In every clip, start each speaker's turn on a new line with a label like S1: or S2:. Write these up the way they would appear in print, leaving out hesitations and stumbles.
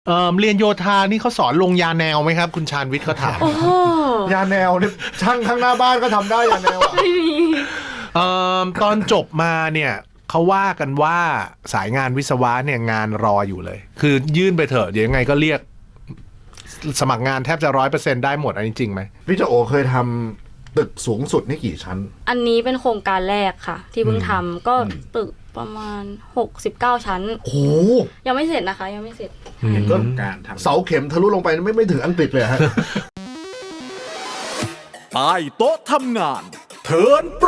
S1: เรียนโยธานี่เขาสอนลงยาแนวไหมครับคุณชาญวิทย์เขาถาม
S2: โอ้โห
S3: ยาแนวเนี่ยช่างข้างหน้าบ้านก็ทำได้ยาแนวอ่ะ
S2: ไม่มี
S1: ตอนจบมาเนี่ยเขาว่ากันว่าสายงานวิศวะเนี่ยงานรออยู่เลย คือยื่นไปเถอะเดี๋ยวยังไงก็เรียกสมัครงานแทบจะ100%ได้หมดอันนี้จริงไหม
S3: พี่เจ้าโอเคยทำตึกสูงสุดนี่กี่ชั้น
S2: อันนี้เป็นโครงการแรกค่ะ ที่เพิ่งทำก็ตึกประมาณ69ชั้น
S3: โอ้โห
S2: ยังไม่เสร็จนะคะ ยังไม่เสร็จ
S3: ก็
S4: การทำ
S3: เสาเข็มทะลุลงไปไม่ถึงอังกฤษเลยฮะ
S5: ใต้โต๊ะทำงานเทิร์นโปร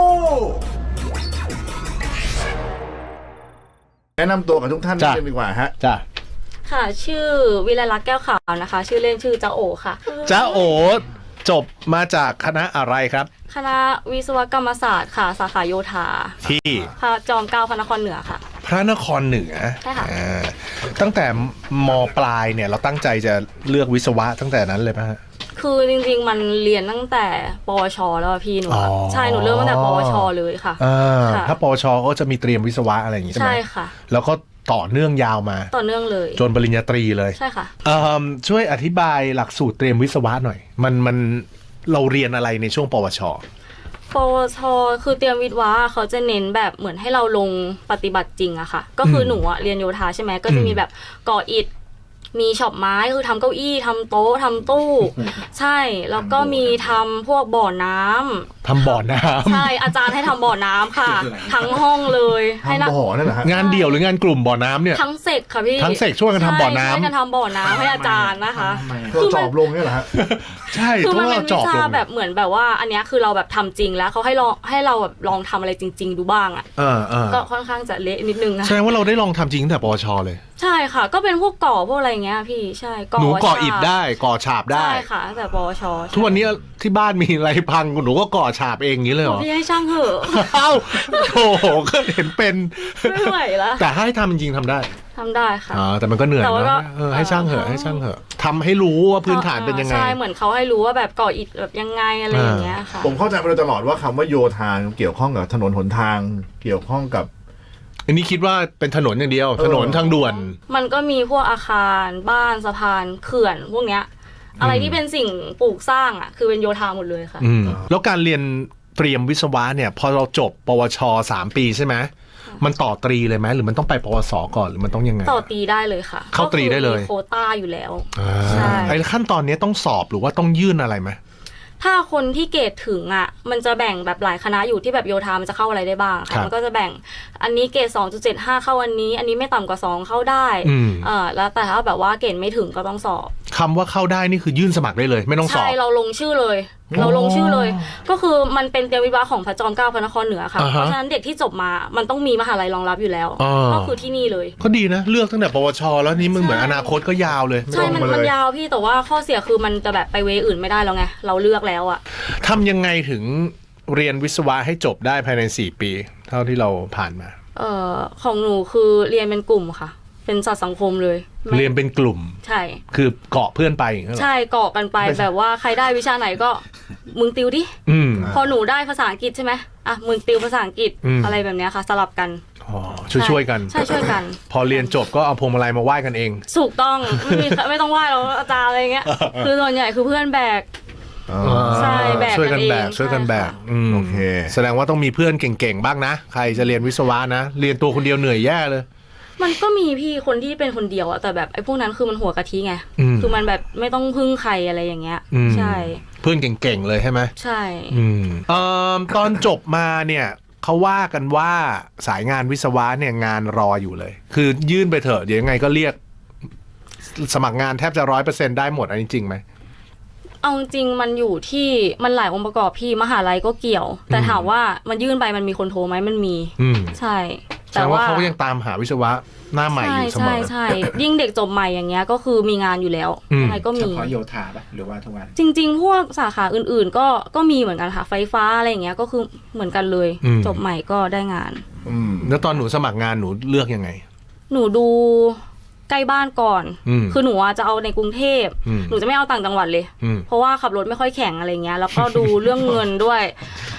S3: แนะนำตัวกับทุกท่านนิดนึงดีกว่าฮะ
S1: จ้ะ
S2: ค่ะ ชื่อวิไลลักษณ์แก้วขาวนะคะ ชื่อเล่นชื่อจ้าโอค่ะ
S1: จ้าโอจบมาจากคณะอะไรครับ
S2: คณะวิศวกรรมศาสตร์ค่ะ สาขาโยธา
S1: ที่
S2: พระจอมเกล้าพระนครเหนือค่ะ
S1: พระนครเหนือ
S2: ใช่ค่ะ
S1: ตั้งแต่มปลายเนี่ยเราตั้งใจจะเลือกวิศวะตั้งแต่นั้นเลยป่ะฮะ
S2: คือจริงๆมันเรียนตั้งแต่ปวชแล้วอะพี่หนูอะ
S1: อ๋อ
S2: ใช่หนูเริ่มตั้งแต่ปวชเลยค่ะ ค่ะ
S1: ถ้าปวชก็จะมีเตรียมวิศวะอะไรอย่างงี้ใช่ไหม
S2: ใช่ค่ะ
S1: แล้วก็ต่อเนื่องยาวมา
S2: ต่อเนื่องเลย
S1: จนปริญญาตรีเลย
S2: ใช่ค่ะ
S1: ช่วยอธิบายหลักสูตรเตรียมวิศวะหน่อย มันเราเรียนอะไรในช่วงปวช
S2: ปวชคือเตรียมวิทย์วะเขาจะเน้นแบบเหมือนให้เราลงปฏิบัติจริงอะค่ะ ก็คือหนูอะเรียนโยธาใช่ไหมก็จะมีแบบก่ออิฐมีช็อปไม้คือทำเก้าอี้ทำโต๊ะทำตู้ ใช่แล้วก็มีทำพวกบ่อน้ำ
S1: ทำบ่อน้ำ
S2: ใช่อาจารย์ให้ทำบ่อน้ำค่ะ ทั้งห้องเลยให้นัก
S3: ทำบ่อนั่นแหละฮะ
S1: งานเดี่ยวหรืองานกลุ่มบ่อน้ำเนี่ย
S2: ทั้งเสกค่ะพี่
S1: ทั้งเสกช่วยกันทำบ่อน้ำ
S2: ใช่ช่วยกันทำบ่อน้ำให้อาจารย์นะคะ
S4: ทำไม
S3: เราจอบลงเนี่ยแหละฮะ
S1: ใช่
S2: คือ
S1: เพ
S2: มัน
S1: ราะ
S2: เป็
S1: เรา
S2: น
S1: จ
S2: วิ
S1: อบล
S2: ชาง แบบเหมือนแบบว่าอันเนี้ยคือเราแบบทำจริงแล้วเขาให้เราแบบลองทำอะไรจริง ๆ ดูบ้างอ่ะ ก็ค่อนข้างจะเละนิดนึงนะ
S1: แสดงว่าเราได้ลองทำจริงตั้งแต่ปวชเลย
S2: ใช่ค่ะ ก็เป็นพวกก่อพวกอะไรเงี้ยพี่ใช่
S1: หนูก่อ
S2: ฉาบ
S1: อิฐได้ก่อฉาบได้
S2: ใช่ค่ะตั้งแต่ปวช
S1: ทุกวันนี้ที่บ้านมีอะไรพังหนูก็ก่อฉาบเองอย่างนี้เลยเหรอ
S2: พี่ให้ช่างเหอะ
S1: เอ้าโถก็เห็นเป็น
S2: ไม่ไหวแล้ว
S1: แต่ให้ทำจริงๆทำได้
S2: ทำได้ค่ะ
S1: แต่มันก็เหนื่อย
S2: แต่ว่าก็
S1: เนอะให้ช่างเหอะให้ช่างเหอะทำให้รู้ว่าพื้นฐานเป็นยังไง
S2: ใช่เหมือนเขาให้รู้ว่าแบบก่ออิฐแบบยังไงอะไรอย่างเงี้ยค่ะ
S3: ผมเข้าใจมาโดยตลอดว่าคำว่าโยธาเกี่ยวข้องกับถนนหนทาง เกี่ยวข้องกับ
S1: อันนี้คิดว่าเป็นถนนอย่างเดียว ถนนทางด่วน
S2: มันก็มีพวกอาคารบ้านสะพานเขื่อนพวกเนี้ยอะไรที่เป็นสิ่งปลูกสร้างอ่ะคือเป็นโยธาหมดเลยค่ะ
S1: แล้วการเรียนเตรียมวิศวะเนี่ยพอเราจบปวช3 ปีใช่ไหมมันต่อตรีเลยไหมหรือมันต้องไปปวสก่อนหรือมันต้องยังไง
S2: ต่อตีได้เลยค่ะ
S1: เข้าตรีได้เลย
S2: ก็คือมีโควต้าอยู่แล้ว
S1: อ่า
S2: ใช่
S1: ไอ้ขั้นตอนนี้ต้องสอบหรือว่าต้องยื่นอะไรไหม
S2: ถ้าคนที่เกรดถึงอ่ะมันจะแบ่งแบบหลายคณะอยู่ที่แบบโยธามันจะเข้าอะไรได้บ้าง
S1: ครั
S2: ค่ะ
S1: บ
S2: มันก็จะแบ่งอันนี้เกรด 2.75 เข้าอันนี้ไม่ต่ำกว่า 2 เข้าได้ แล้วแต่ถ้าแบบว่าเกรดไม่ถึงก็ต้องสอบ
S1: คำว่าเข้าได้นี่คือยื่นสมัครได้เลย ไม่ต้องสอ
S2: ใช่
S1: บ
S2: เราลงชื่อเลย เราลงชื่อเลย ก็คือมันเป็นเตรียมวิศวะของพระจอมเกล้าพระนครเหนือค่ะ
S1: อ่าฮะ
S2: เพราะฉะนั้นเด็กที่จบมามันต้องมีมหาลัยรองรับอยู่แล้ว
S1: อ่า
S2: ก็คือที่นี่เลย
S1: ก็ดีนะ เลือกตั้งแต่ปวช แล้วนี่มึงเหมือนอนาคตก็ยาวเลย
S2: ใช่มันยาวพี่แต่ว่าข้อเสียคือมันจะแบบไปเวอื่นไม่ได้แล้วไงเราเลือกแล้วอ่ะ
S1: ทำยังไงถึงเรียนวิศวะให้จบได้ภายใน4 ปี เท่าที่เราผ่านมา
S2: ของหนูคือเรียนเป็นกลุ่มค่ะ เป็นสัตว์สังคมเลยไม่
S1: เรียนเป็นกลุ่ม
S2: ใช่
S1: คือเกาะเพื่อนไปอย่างเงี้ยเหรอ
S2: ใช่เกาะกันไปแบบว่าใครได้วิชาไหนก็มึงติวดิ
S1: อืม
S2: พอหนูได้ภาษาอังกฤษใช่ไหมอ่ะมึงติวภาษาอังกฤษ
S1: อืม
S2: อะไรแบบเนี้ยค่ะ สลับกัน
S1: อ๋อช่วยกัน
S2: ใช่ช่วยกัน
S1: พอเรียนจบก็เอาพวงมาลัยมาไหว้กันเอง
S2: ถูกต้องไม่ต้องไหว้แล้วอาจารย์อะไรเงี้ย คือส่วนใหญ่คือเพื่อนแบก ใช่แบก
S1: ช่วยกันแบก
S2: กันเอง
S1: ช่วยกันแบก
S2: ใช่ค่ะ
S1: ม
S3: โอเค
S1: แสดงว่าต้องมีเพื่อนเก่งๆบ้างนะ ใครจะเรียนวิศวะนะ เรียนตัวคนเดียวเหนื่อยแย่เลย
S2: มันก็มีพี่คนที่เป็นคนเดียวอะแต่แบบไอ้พวกนั้นคือมันหัวกะทิไง
S1: อืม
S2: คือมันแบบไม่ต้องพึ่งใครอะไรอย่างเงี้ย
S1: อืม
S2: ใช่
S1: เพื่อนเก่งๆเลยใช่ไหม
S2: ใช่
S1: ตอนจบมาเนี่ยเขาว่ากันว่าสายงานวิศวะเนี่ยงานรออยู่เลย คือยื่นไปเถอะเดี๋ยวยังไงก็เรียกสมัครงานแทบจะ100%ได้หมดอันนี้จริงไหม
S2: เอาจริงมันอยู่ที่มันหลายองค์ประกอบพี่มหาลัยก็เกี่ยว แต่ถามว่ามันยื่นไปมันมีคนโทรไหมมันมี
S1: อืม
S2: ใช่
S1: แสดงว่าเขาก็ยังตามหาวิศวะหน้าใหม่อยู่เสม
S2: ใช่
S1: อ
S2: ใช่ยิ่งเด็กจบใหม่อย่างเงี้ยก็คือมีงานอยู่แล้ว
S1: อืม
S2: ยังไงก็
S4: เฉ
S2: มี
S4: พาะโยธาปะหรือว่าทุกวัน
S2: จริง ๆ พวกสาขาอื่นๆก็มีเหมือนกันค่ะไฟฟ้าอะไรอย่างเงี้ยก็คือเหมือนกันเลย จบใหม่ก็ได้งาน
S1: แล้วตอนหนูสมัครงานหนูเลือกยังไง
S2: หนูดูใกล้บ้านก่อน
S1: อืม
S2: คือหนูอะจะเอาในกรุงเทพ
S1: อืม
S2: หนูจะไม่เอาต่างจังหวัดเลย
S1: อืม
S2: เพราะว่าขับรถไม่ค่อยแข็งอะไรเงี้ย แล้วก็ดูเรื่องเงินด้วย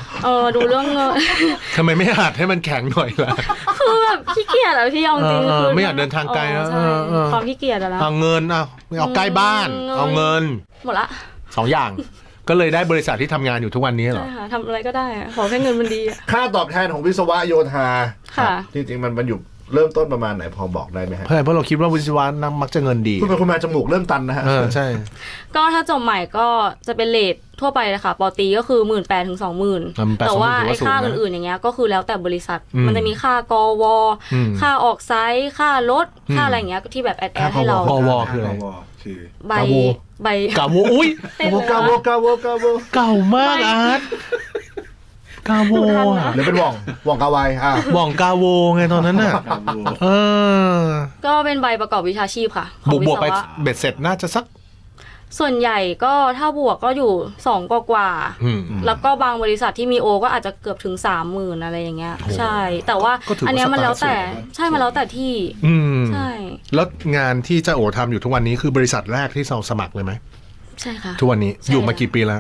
S2: ดูเรื่องเงิน
S1: ทำไมไม่หัดให้มันแข็งหน่อยล่ะ
S2: คือแบบขี้เกียจอะพี่เอาจริงคือ
S1: ไม่อยากเดินทางไกลนะ
S2: ใช่ความขี้เกียจอะนะ
S1: เอาเงินเอาใกล้บ้าน เอาเงิน
S2: หมดละ
S1: 2 อย่าง ก็เลยได้บริษัทที่ทำงานอยู่ทุกวันนี้เหรอ
S2: ใช่ค่ะทำอะไรก็ได้อะขอแค่เงินมันดีอะ
S3: ค่าตอบแทนของวิศวะโยธา
S2: ค่ะ
S3: จริงๆมันอยู่เริ่มต้นประมาณไหนพอบอกได้ไหมฮะ
S1: เพราะเราคิดว่าวิศวะนักมักจะเงินดี
S3: คุณเป็นคนมาจมูกเริ่มตันนะฮะ
S1: ใช่
S2: ก็ถ้าจบใหม่ก็จะเป็นเรททั่วไปเลยค่ะปอตรีก็คือ 18,000 ถึง 20,000 แต่ว่าไอ้ค่าอื่นๆอย่างเงี้ยก็คือแล้วแต่บริษัท มันจะมีค่ากวค่าออกไซต์ค่ารถค่าอะไรอย่างเงี้ยที่แบบแอดให้เรา
S1: กวคืออะไร
S3: คือ
S2: ใบ
S1: กาโวอุ้ย
S3: กาโว
S1: เก่ามากอาร์ตกาโวอะ
S3: หรือเป็นว่องกาไว
S1: ว่องกาโวไงตอนนั้นน่ะเออ
S2: ก็เป็นใบประกอบวิชาชีพค่ะของ
S1: บวก
S2: วิศ
S1: ไป
S2: วะ
S1: เบ็ดเสร็จน่าจะสัก
S2: ส่วนใหญ่ก็ถ้าบวกก็อยู่2กว่า แล้วก็บางบริษัทที่มีโอก็อาจจะเกือบถึง 30,000 อะไรอย่างเงี้ยใช่ แต่ว่าอันเนี้ยมันแล้วแต่ใช่มันแล้วแต่ที่ใช่
S1: แล้วงานที่เจ้าโอทำอยู่ทุกวันนี้คือบริษัทแรกที่เราสมัครเลยไหม
S2: ใช่ค่ะ
S1: ทุกวันนี้อยู่มากี่ปีแล้ว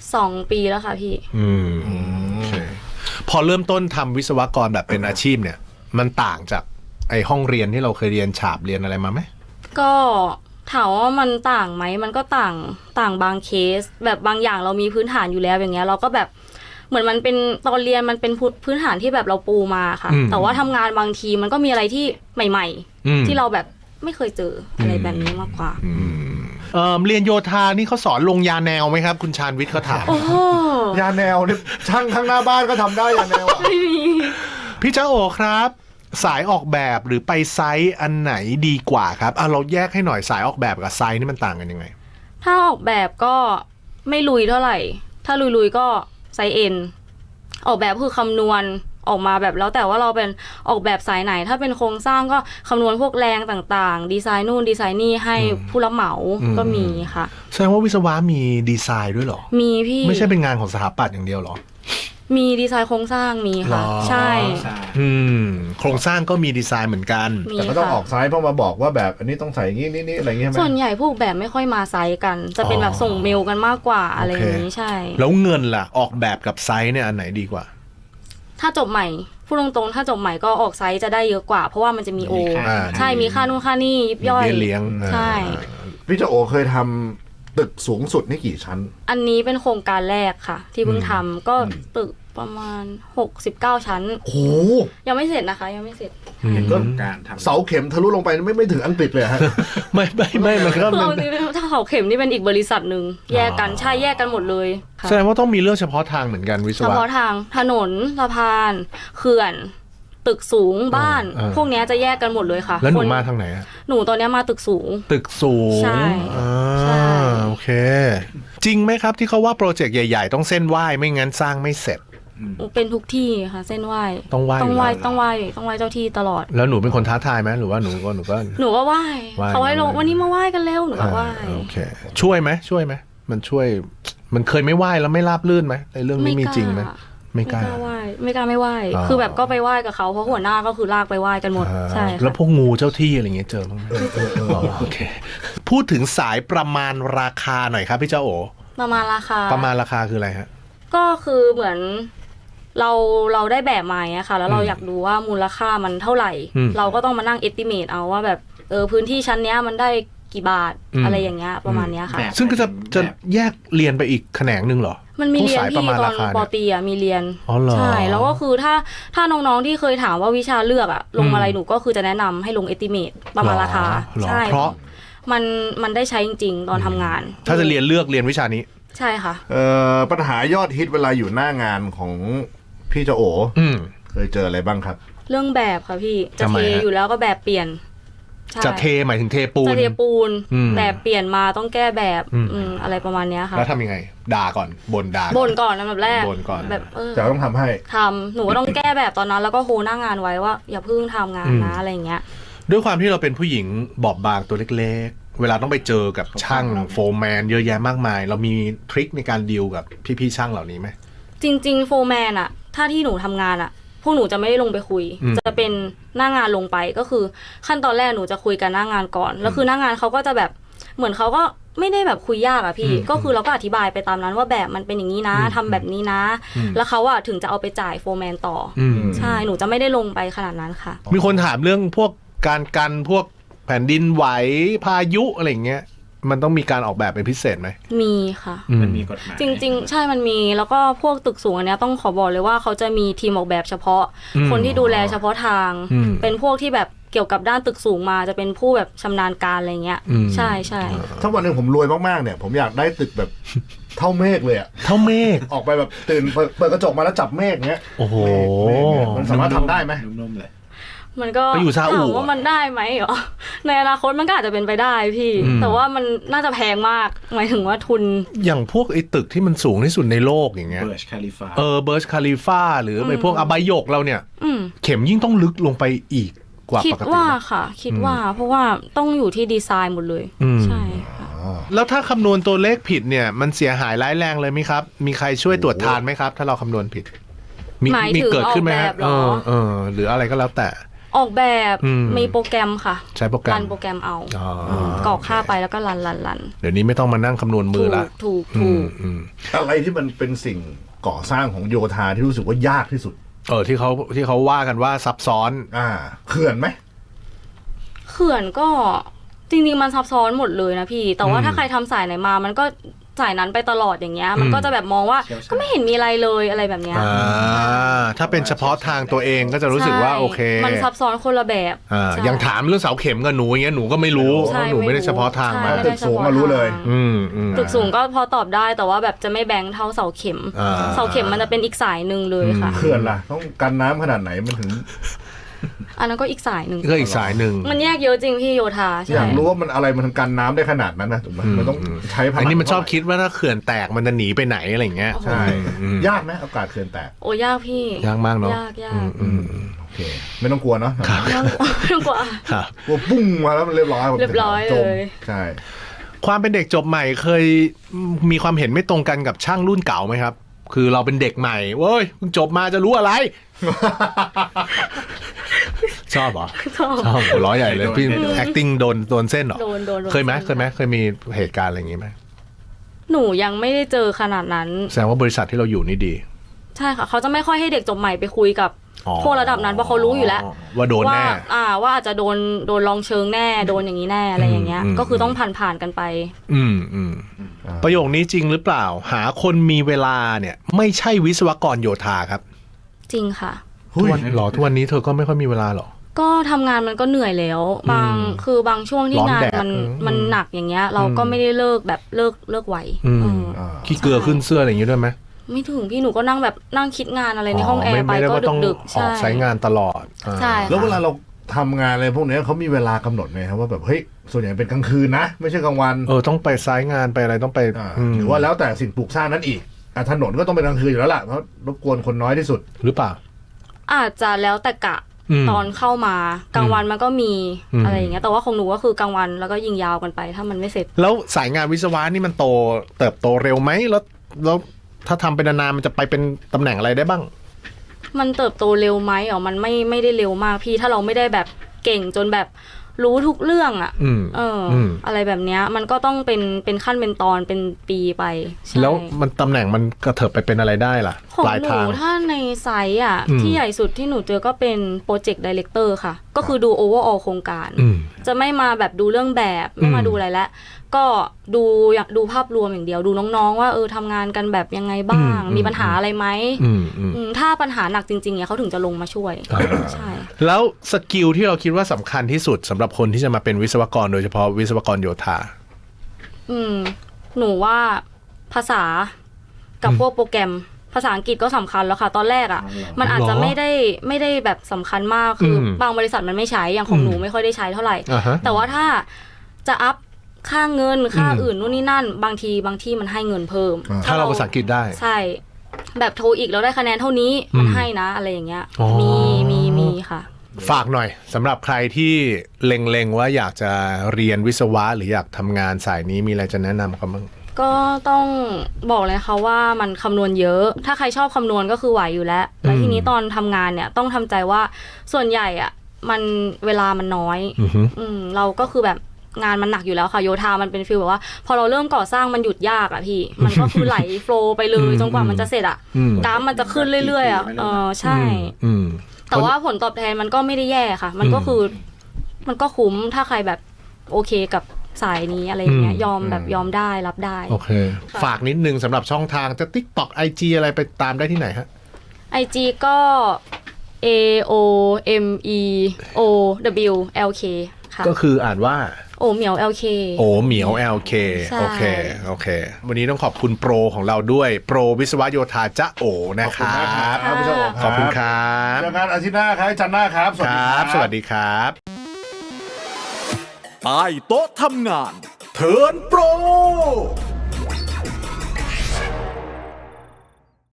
S2: 2 ปีแล้วค่ะพี่
S1: โอเคพอเริ่มต้นทำวิศวกรแบบเป็นอาชีพเนี่ย มันต่างจากไอห้องเรียนที่เราเคยเรียนฉาบเรียนอะไรมาไหม
S2: ก็ถามว่ามันต่างไหมมันก็ต่างบางเคส แบบบางอย่างเรามีพื้นฐานอยู่แล้วอย่างเงี้ยเราก็แบบเหมือนมันเป็นตอนเรียนมันเป็นพื้นฐานที่แบบเราปูมาค่ะ แต่ว่าทำงานบางทีมันก็มีอะไรที่ใหม่ๆที่เราแบบไม่เคยเจออะไรแบบนี้มากกว่า
S1: เรียนโยธานี่เขาสอนลงยาแนวไหมครับ คุณชาญวิทย์เขาถาม
S2: โอ้โห
S3: ยาแนวเนี่ยช่างข้างหน้าบ้านก็ทำได้ยาแนว
S2: ไม่มี
S1: พี่เจ้าโอครับ สายออกแบบหรือไปไซต์อันไหนดีกว่าครับเราแยกให้หน่อยสายออกแบบกับไซต์นี่มันต่างกันยังไง
S2: ถ้าออกแบบก็ไม่ลุยเท่าไหร่ ถ้าลุยก็ไซส์เอ็นออกแบบคือคำนวณออกมาแบบแล้วแต่ว่าเราเป็นออกแบบสายไหน ถ้าเป็นโครงสร้างก็คำนวณพวกแรงต่างๆดีไซน์นู่นดีไซน์นี่ให้ผู้รับเหมาก็มีค่ะ
S1: แสดงว่าวิศวะมีดีไซน์ด้วยเหรอ
S2: มีพี่
S1: ไม่ใช่เป็นงานของสถาปัตย์อย่างเดียวเหรอ
S2: มีดีไซน์โครงสร้างมีค่ะ
S1: หรอ
S2: ใช่
S1: โครงสร้างก็มีดีไซน์เหมือนกัน
S2: มี
S3: แต่ก็ต้อง
S2: ค่ะ
S3: ออกซ้ายเพราะมาบอกว่าแบบอันนี้ต้องใส่งี้นี่อะไรเงี้ยใช่ไหม
S2: ส่วนใหญ่พวกแบบไม่ค่อยมาไซส์กัน จะเป็นแบบส่งเมลกันมากกว่าอะไรอย่างนี้ใช่
S1: แล้วเงินล่ะออกแบบกับไซต์เนี่ยอันไหนดีกว่า
S2: ถ้าจบใหม่พูดตรงๆถ้าจบใหม่ก็ออกไซส์จะได้เยอะกว่า เพราะว่ามันจะมีโอ ใช่มีค่านู่นค่านี่ยิบย่อย
S1: มีเบี้ยเลี้ยง
S2: ใช่
S3: พี่เจ้าโอเคยทำตึกสูงสุดนี่กี่ชั้น
S2: อันนี้เป็นโครงการแรกค่ะ ที่เพิ่งทำก็ตึกประมาณ69 ชั้น
S3: โอ้โห
S2: ยังไม่เสร็จนะคะยังไม่เสร็จ
S3: ก็เสาเข็มทะลุลงไปไม่ถึงอังกฤษเลยฮะ
S1: ไม่มันก็
S2: เราจริงๆถ้าเขาเข็มนี่เป็นอีกบริษัทหนึ่งแยกกันใช่แยกกันหมดเลยค่ะ
S1: แสดงว่าต้องมีเรื่องเฉพาะทางเหมือนกันวิศ
S2: เฉ
S1: วะ
S2: พาะทางถนนสะพานเขื่อน ตึกสูงบ้าน พวกเนี้ยจะแยกกันหมดเลยค่ะ
S1: แล้วหนู
S2: คน
S1: มาทางไหนอะ
S2: หนูตอนเนี้ยมาตึกสูง
S1: ตึกสูง
S2: ใช่ใช่
S1: โอเค จริงไหมครับที่เขาว่าโปรเจกต์ใหญ่ๆต้องเส้นไหว้ไม่งั้นสร้างไม่เสร็จ
S2: เป็นทุกที่ค่ะ เส้นไหว้
S1: ต้องไหว้
S2: ต้องไหว้
S1: อยู่แล้ว
S2: ต้องไหว้ต้องไหว้เจ้าที่ตลอด
S1: แล้วหนูเป็นคนท้าทายไหมหรือว่าหนูก็
S2: หนูก็ไหว้
S1: ไหว้
S2: เขาให้ลงวันนี้มาไหว้กันเร็วหนูก็ไหว้
S1: โอเค ช่วยไหมมันช่วยมันเคยไม่ไหว้แล้วไม่ราบรื่นไหมในเรื่องนี้มีจริงไหมไม่กล้า
S2: ไหว้ไม่กล้าไม่ไหว้ คือแบบก็ไปไหว้กับเขาเพราะหัวหน้าก็คือลากไปไหว้กันหมดใช่
S1: แล้
S2: ค่ะ
S1: วพวกงูเจ้าที่อะไรเงี้ยเจอบ้างไหมโอเค พูดถึงสายประมาณราคาหน่อยครับพี่เจ้าโอ
S2: ประมาณราคา
S1: ประมาณราคาคืออะไรฮะ
S2: ก็คือเหมือนเราได้แบบมาอะค่ะ แล้วเราอยากดูว่ามูลค่ามันเท่าไหร่ เราก็ต้องมานั่ง estimate เอาว่าแบบพื้นที่ชั้นเนี้ยมันได้กี่บาทอะไรอย่างเงี้ยประมาณเนี้ยค่ะ
S1: ซึ่งก็จะแยกเรียนไปอีกแขนงหนึ่งเหรอ
S2: มันมีเรียน
S1: พวกสายป
S2: ที่
S1: ระมาณ
S2: ตอ
S1: ราน คา
S2: ป
S1: เนี่ย
S2: ตีอะมีเรียน
S1: อ๋อเหรอ
S2: ใช่แล้วก็คือถ้าน้องๆที่เคยถามว่าวิชาเลือกอะลงอะไรหนูก็คือจะแนะนำให้ลง estimate ประมาณราคา
S1: หรอ
S2: ใช่
S1: เพราะ
S2: มันได้ใช้จริงๆ ตอนทำงาน
S1: ถ้าจะเรียนวิชานี้
S2: ใช่ค่ะ
S3: ปัญหายอดฮิตเวลาอยู่หน้างานของพี่เจ้าโอเคยเจออะไรบ้างครับ
S2: เรื่องแบบค่ะพี่จะ
S1: ทำไม
S2: เท
S1: ฮะ
S2: อยู่แล้วก็แบบเปลี่ยนใช่
S1: จะเทหมายถึงเทปูน
S2: จะเทปูน
S1: อืม
S2: แบบเปลี่ยนมาต้องแก้แบบอะไรประมาณเนี้ยค่ะ
S1: แล้วทำยังไง ด่าก่อนบ่นด่า
S2: บ่นก่อนนะแบบแรก
S1: บ่นก่อน
S2: แบบ
S3: จะต้องทำให้
S2: ทำหนูก็ต้องแก้แบบตอนนั้น แล้วก็โฮหน้างานไว้ว่าอย่าเพิ่งทำงานนะอะไรอย่างเงี้ย
S1: ด้วยความที่เราเป็นผู้หญิงบอบบางตัวเล็กๆ เวลาต้องไปเจอกับช่างโฟร์แมนเยอะแยะมากมาย เรามีทริคในการดีลกับพี่ๆช่างเหล่านี้ไหม
S2: จริงๆโฟร์แมนอะถ้าที่หนูทำงานอะพวกหนูจะไม่ได้ลงไปคุย จะเป็นหน้างานลงไปก็คือขั้นตอนแรกหนูจะคุยกันหน้างานก่อนแล้วคือหน้างานเขาก็จะแบบเหมือนเขาก็ไม่ได้แบบคุยยากอะพี่ก็คือเราก็อธิบายไปตามนั้นว่าแบบมันเป็นอย่างนี้นะทำแบบนี้นะแล้วเขาอะถึงจะเอาไปจ่ายโฟร์แมนต่อใช่หนูจะไม่ได้ลงไปขนาดนั้นค่ะ
S1: มีคนถามเรื่องพวกการกันพวกแผ่นดินไหวพายุอะไรอย่างเงี้ยมันต้องมีการออกแบบเป็นพิเศษไหม
S2: มีค่ะ
S4: มันมีกฎหมาย
S2: จริงๆใช่มันมีแล้วก็พวกตึกสูงอันเนี้ยต้องขอบอกเลยว่าเขาจะมีทีมออกแบบเฉพาะคนที่ดูแลเฉพาะทางเป็นพวกที่แบบเกี่ยวกับด้านตึกสูงมาจะเป็นผู้แบบชำนาญการอะไรเงี้ยใช่ใช่
S3: ถ้าวันหนึ่งผมรวยมากๆเนี่ยผมอยากได้ตึกแบบเท่าเมฆเลยอะ
S1: เท่าเมฆ
S3: ออกไปแบบตื่นเปิดกระจกมาแล้วจับเมฆเงี้ย
S1: โอ้โห
S3: มันสามารถทำได้ไหม
S4: นุ่มๆเลย
S2: มันก็ถามว่ามันได้ไหมเหรอในอนาคตมันก็อาจจะเป็นไปได้พี่แต่ว่ามันน่าจะแพงมากหมายถึงว่าทุน
S1: อย่างพวกไอ้ตึกที่มันสูงที่สุดในโลกอย่างเงี้ย
S4: เบิร์ชคาลิฟา
S1: เบิร์ชคาลิฟาหรือไปพวกอบายกเราเนี่ยเข็มยิ่งต้องลึกลงไปอีกกว่าปกติ
S2: คิดว่าค่ะคิดว่าเพราะว่าต้องอยู่ที่ดีไซน์หมดเลยใช่ค่ะ
S1: แล้วถ้าคำนวณตัวเลขผิดเนี่ยมันเสียหายร้ายแรงเลยไหมครับมีใครช่วยตรวจทานไหมครับถ้าเราคำนวณผิด
S2: มี
S1: เกิดขึ้นไหมครับหรืออะไรก็แล้วแต่
S2: ออกแบบมีโปรแกรมค่ะ
S1: ใช้โปรแกรม
S2: รันโปรแกรมเอากรอกค่าไปแล้วก็รัน
S1: เดี๋ยวนี้ไม่ต้องมานั่งคำนวณมือละ
S2: ถูก
S3: อะไรที่มันเป็นสิ่งก่อสร้างของโยธาที่รู้สึกว่ายากที่สุด
S1: ที่เขาว่ากันว่าซับซ้อน
S3: เขื่อนไหม
S2: เขื่อนก็จริงๆมันซับซ้อนหมดเลยนะพี่แต่ว่าถ้าใครทำสายไหนมามันก็สายนั้นไปตลอดอย่างเงี้ยมันก็จะแบบมองว่าก็ไม่เห็นมีอะไรเลยอะไรแบบเนี้ย
S1: ถ้าเป็นเฉพาะทางตัวเองก็จะรู้สึกว่าโอเค
S2: มันซับซ้อนคนละแบบ
S1: อย่างถามเรื่องเสาเข็มกับหนูอย่างเงี้ยหนูก็ไม่รู้หนูไม่ได้เฉพาะทางมา
S3: ตึกสูงมารู้เลย
S2: ตึกสูงก็พอตอบได้แต่ว่าแบบจะไม่แบงค์เท่าเสาเข็มมันจะเป็นอีกสายนึงเลยค่ะ
S3: เขื่อนล่ะต้องกันน้ำขนาดไหนมันถึง
S2: อันนั้นก็อีกสายหนึ่ง
S1: ก็อีกสายหนึ่ง
S2: มันแยกเยอะจริงพี่โยธา
S3: อยากรู้ว่ามันอะไรมันกันน้ำได้ขนาดนั้นนะถูกไหมมันต้องใช้พลัง
S1: อันนี้มันชอบคิดว่าถ้าเขื่อนแตกมันจะหนีไปไหนอะไรเงี้ย
S3: ใช่ยากไหมโอกาสเขื่อนแตก
S2: โอ้ยากพี่
S1: ยากมากเนาะ
S2: ยาก
S3: โอเคไม่ต้องกลัวเนาะ
S2: ไม่ต้องกลัว
S3: กลัวปุ้งมาแล้วมันเรียบร้อย
S2: เลย
S3: ใช่
S1: ความเป็นเด็กจบใหม่เคยมีความเห็นไม่ตรงกันกับช่างรุ่นเก่าไหมครับคือเราเป็นเด็กใหม่เว้ยเพิ่งจบมาจะรู้อะไรชอบเหรอชอบหัวล้อใหญ่เลยพี่ acting โดนเส้นเหรอเคยไหมเคยมีเหตุการณ์อะไรอย่างงี้ไหม
S2: หนูยังไม่ได้เจอขนาดนั้น
S1: แสดงว่าบริษัทที่เราอยู่นี่ดี
S2: ใช่ค่ะเขาจะไม่ค่อยให้เด็กจบใหม่ไปคุยกับพวกระดับนั้นเพราะเขารู้อยู่แล้ว
S1: ว่าโดนแน่
S2: ว่าอาจจะโดนลองเชิงแน่โดนอย่างนี้แน่อะไรอย่างเงี้ยก็คือต้องผ่านกันไป
S1: ประโยคนี้จริงหรือเปล่าหาคนมีเวลาเนี่ยไม่ใช่วิศวกรโยธาครับ
S2: จริงค่ะ
S1: ทุกวันนี้เธอก็ไม่ค่อยมีเวลาหรอ
S2: ก็ทำงานมันก็เหนื่อยแล้วบางช่วงที่งานมันหนักอย่างเงี้ยเราก็ไม่ได้เลิกแบบเลิกไว
S1: ขี้เกลือขึ้นเสื้ออะไรอย่างงี้ด้วยไหม
S2: ไม่ถึงพี่หนูก็นั่งคิดงานอะไรในห้องแอร์ไปก็ดึก
S1: ๆใช้งานตลอด
S2: ใช่
S3: แล้วเวลาเราทำงานอะไรพวกนี้เขามีเวลากำหนดไหมครับว่าแบบเฮ้ยส่วนใหญ่เป็นกลางคืนนะไม่ใช่กลางวัน
S1: ต้องไปไซต์งานไปอะไรต้องไป
S3: หรือว่าแล้วแต่สิ่งปลูกสร้างนั้นอีกถนนก็ต้องเป็นกลางคืนอยู่แล้วล่ะเพราะรบกวนคนน้อยที่สุด
S1: หรือเปล่า
S2: อาจจะแล้วแต่กะตอนเข้ามากลางวันมันก็มีอะไรอย่างเงี้ยแต่ว่าของหนูก็คือกลางวันแล้วก็ยิงยาวกันไปถ้ามันไม่เสร็จ
S1: แล้วสายงานวิศวะนี่มันเติบโตเร็วไหมแล้วถ้าทำเป็นนานมันจะไปเป็นตำแหน่งอะไรได้บ้าง
S2: มันเติบโตเร็วไหมมันไม่ได้เร็วมากพี่ถ้าเราไม่ได้แบบเก่งจนแบบรู้ทุกเรื่องอะไรแบบเนี้ยมันก็ต้องเป็นขั้นเป็นตอนเป็นปีไป
S1: แล้วมันตำแหน่งมันกระเถิบไปเป็นอะไรได้ล่ะ
S2: ปลายทางถ้าในไซต์ที่ใหญ่สุดที่หนูเจอก็เป็นโปรเจกต์ไดเรคเตอร์ค่ะก็คือดูโอเวอร์ออลโครงการจะไม่มาแบบดูเรื่องแบบไม่มาดูอะไรแล้วก็อยากดูภาพรวมอย่างเดียวดูน้องๆว่าทำงานกันแบบยังไงบ้างมีปัญหาอะไรไหมถ้าปัญหาหนักจริงๆเนี่ยเขาถึงจะลงมาช่วยใช่
S1: แล้วสกิลที่เราคิดว่าสำคัญที่สุดสำหรับคนที่จะมาเป็นวิศวกรโดยเฉพาะวิศวกรโยธา
S2: หนูว่าภาษากับพวกโปรแกรมภาษาอังกฤษก็สำคัญแล้วค่ะตอนแรกมันอาจจะไม่ได้แบบสำคัญมากคือบางบริษัทมันไม่ใช้อย่างของหนูไม่ค่อยได้ใช้เท่าไหร่แต่ว่าถ้าจะอัพค่าเงินค่าอื่นนู่นนี่นั่นบางที่มันให้เงินเพิ่ม
S1: ถ้าเราภาษาอังกฤษได้
S2: ใช่แบบโทอีกเราได้คะแนนเท่านี้มันให้นะอะไรอย่างเงี้ยมีค่ะ
S1: ฝากหน่อยสำหรับใครที่เล็งว่าอยากจะเรียนวิศวะหรืออยากทำงานสายนี้มีอะไรจะแนะนำเขาบ้าง
S2: ก็ต้องบอกเลยค่ะว่ามันคำนวณเยอะถ้าใครชอบคำนวณก็คือไหวอยู่แล้วแล้วทีนี้ตอนทำงานเนี่ยต้องทำใจว่าส่วนใหญ่มันเวลามันน้อยเราก็คือแบบงานมันหนักอยู่แล้วค่ะโยธามันเป็นฟีลแบบว่า พอเราเริ่มก่อสร้างมันหยุดยากอะพี่ มันก็คือไหลโฟลว์ไปเลยจนกว่ามันจะเสร็จอะกราฟมันจะขึ้นเรื่อยๆอะใช่แต่ว่าผลตอบแทนมันก็ไม่ได้แย่ค่ะ มันก็คือมันก็คุ้มถ้าใครแบบโอเคกับสายนี้อะไรอย่างเงี้ยยอมได้รับได้
S1: โอเคฝากนิดนึงสำหรับช่องทางจะ TikTok IG อะไรไปตามได้ที่ไหนฮะ
S2: IG ก็ AOMEOWLK ค่ะ
S1: ก็คืออ่านว่า
S2: โอเหมียว LK
S1: โอเหมียว LK
S2: ใช่
S1: โอเควันนี้ต้องขอบคุณโปรของเราด้วยโปรวิศวโยธาจ๊ะโอนะครับ
S3: ขอบคุณมากครับ
S1: ขอบคุณครับ
S3: เจอกันอาทิตย์หน้าครับจันทร์หน้าครับ สวัส
S1: ค
S3: ดี
S1: รั
S3: ครับ บ
S1: สวัสดีครับ
S5: ใต้โต๊ะทำงาน เทิร์นโปร